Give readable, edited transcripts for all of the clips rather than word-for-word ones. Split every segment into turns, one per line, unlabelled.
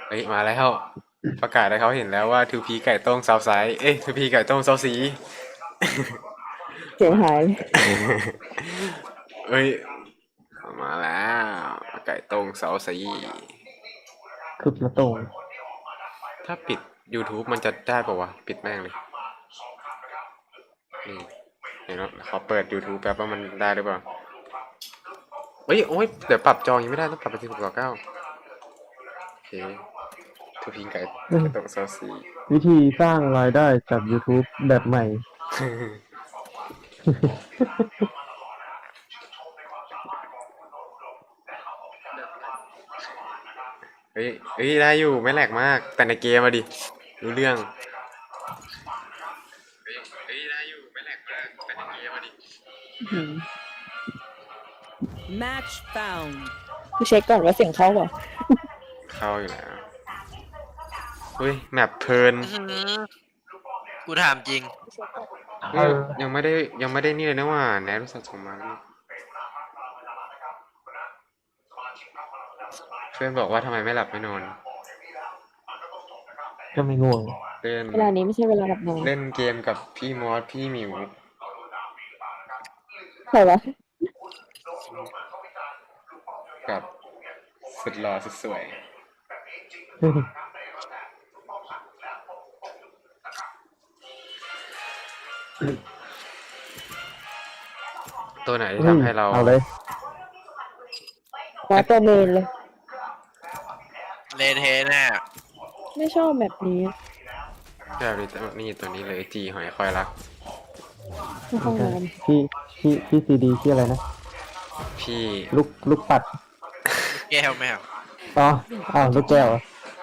เฮ้ยมาแล้วประกาศให้เขาเห็นแล้วว่าทูพีไก่ต้งเซาไซเอ้ยทูพีไก่ต้งเซาซี
เสียงหาย
เฮ้ยมาแล้วไก่ต้งเซาซี
คือมาตรง
ถ้าปิด YouTube มันจะได้ป่าวะปิดแม่งเลยนี่เห็นไหมขอเปิด YouTube แป๊บว่ามันได้หรือเปล่าเฮ้ยโอ้ยเดี๋ยวปรับจอยังไม่ได้ต้องปรับไปที่6:9โอเคทูพีไก่ต้งเซาซี
วิธีสร้างรายได้จาก YouTube แบบใหม่
เฮ้ยเฮ้ยได้อยู่ไม่แหลกมากแต่ในเกมมาดิรู้เรื่องเฮ้ยได้อยู่ไม่แหลกมากแต่ในเกมมาดิ
Match found.
กูเช็คก่อนว่าเสียงเข้าเปล่า
เข้าอยู่แล้วเฮ้ยแมปเพลิน
กูถามจริง
เฮ้ยยังไม่ได้นี่เลยนะว่าแนทรู้สึกส่งมาเพื่อนบอกว่าทำไมไม่หลับไม่นอน
ก็ไม่ง่วง
เล่น
เวลานี้ไม่ใช่เวลาหลับนอน
เล่นเกมกับพี่มอสพี่หมิว
ใครวะ
กับสุดหล่อสุดสวย ตัวไหนที่ทำให้เรา
เอาเลย
มาตัวเมนเลย
เลเทแน่
ไม่ชอบแบบนี้
แบบนี่ตัวนี้เลยจีหอยคอยรัก
ในห้องน้
พี่ซีดีชื่ออะไรนะ
พี่
ลูกปัด
แก้วแมว
อ๋ออ้าวลูกแก้วเหรอ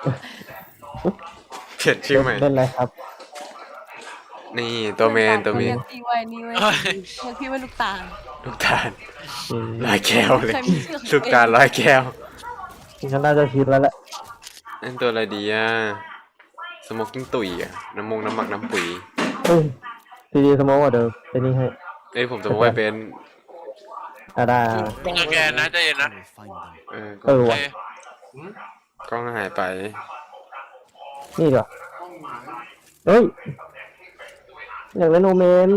เปลี่ยนชื่อใหม่
เล่นอะไรครับ
นี่ตัวเมน
เรียกพี่ไว้นี่ไว้ยเรียกพี่ว่าลูกตาล
ลูกตาล
อืม
ร้อยแก้วเลย
ใครมีชื่อของตัวเอง
ลูกตาลร้อยแก้ว
ก็น่าจะคิดแล้วแหละ
นั่นตัวอะไรดีอ่ะสโมกกิ้งตุ๋ยอ่ะน้ำหมักน้ำปุ๋ย
เฮ้ยซีดีสโมกว่าเดิมเป็นนี่ให้
เอ้ยผมสโมกไปเป็น
ได้
มึงกับแกนะใจเย็นนะ
เออ
เออ
โอ
ว่ะ
เค
กล้องหายไป
นี่ดีกว่าเฮ้ย อยากเล่นโอเมน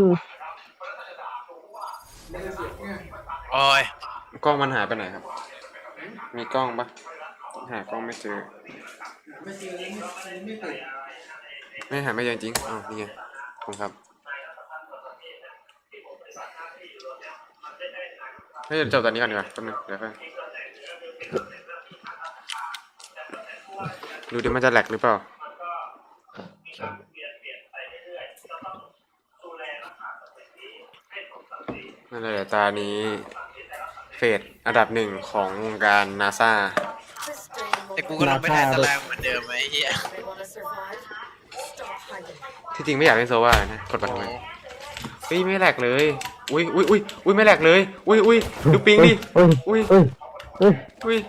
โอ้ย
กล้องมันหายไปไหนครับ มีกล้องปะหากล้องไม่เจอไม่หาไม่เจอจริงอ้าวนี่ไงขอบคุณครับเฮ้ยเดี๋ยวจบตอนนี้ก่อนดีกว่าแป๊บนึงเดี๋ยวเพิ่งดูดิมันจะแหลกหรือเปล่านั่นแหละตานี้เฟสอันดับ1ของวงการนาซา
แต่กูก็ลงไปแทนตารางเหมือนเดิมไอ้เหี้ย
ที่จริงไม่อยากเล่นโซวานะกดบัตรทำไมเฮ้ยไม่แหลกเลยอุ้ยไม่แหลกเลยอุ้ยดูปิงดิ
เฮ้ย
อุ้ย
เฮ้ยเฮ้ย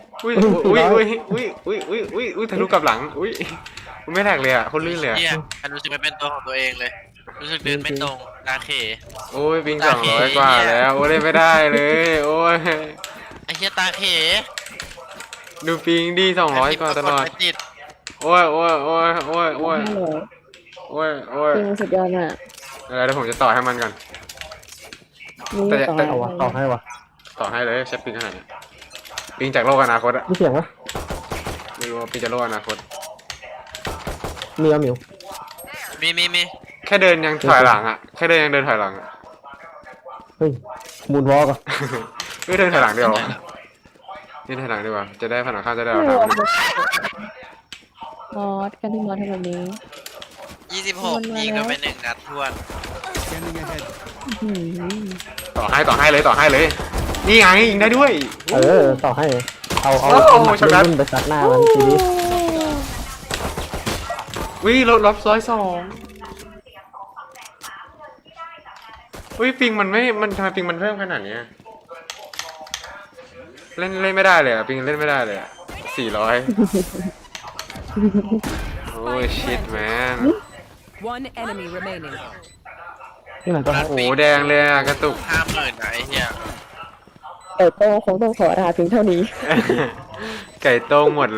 อุ้ยทะลุกลับหลังอุ้ยมันไม่แหลกเลยอ่ะคนลื่นเลยอ่ะ
เหี้ยอันรู้สึกไม่เป็นตัวของตัวเองเลย รู้สึกเดินไม่ตรงตาเข
โอ้ยปิง200 กว่าแล้วโอ้ยเล่นไม่ได้เลยโอ้ย
ไอ้เหี้ยตาเข
ดูปิงดิ200 กว่าตลอด
ไม่ติด
โอ้ย
500จริงสุดยอดมาก
อะไรเดี๋ยวผมจะต่อให้มันก่อน
นี่ต่อ
แต่
เอาวะต่อให้วะ
ต่อให้เลยใช้ปิงขนาดนี้ปิงจากโลกอนาคตอะ
มีเสียงวะ
ไม่รู้ว่าปิงจากโลกอนาคต
มีเอาหมิว
มี
แค่เดินยังถอยหลังอ่ะแค่เดินยังเดินถอยหลังอ่ะ
เฮ้ยมูนวอล์กอ่ะ
ไม่เดินถอยหลังเดียวนี่ถอยหลังดีกว่าจะได้ผนังข้างจะได้เอา
ไม่
ทาง
รวมมอสกันที่มอสทำแบบนี้
26ยิงกันไป1 นัดทวน
อื้อหือ
ต่อให้เลยนี่ไงยิงได้ด้วย
ต่อให้ เอา
โอ้โหช็อตนั้น
รุ่นไปซัดหน้ามันทีนี้
วิลบ102วิปิงมันไม่มันทำไมปิงมันเพิ่มขนาดนี้เล่นไม่ได้เลยอ่ะปิงเล่นไม่ได้เลยอ่ะ400โอ้ยชิตแมน
One enemy remaining.
ที่ไหนก็ให้
โอ้โหแดงเลยอ่ะกระตุก
50,000นะไอ้เหี้ย
แต่โต้คงต้องขอลาเพียงเท่านี้
ไก่โต้งหมด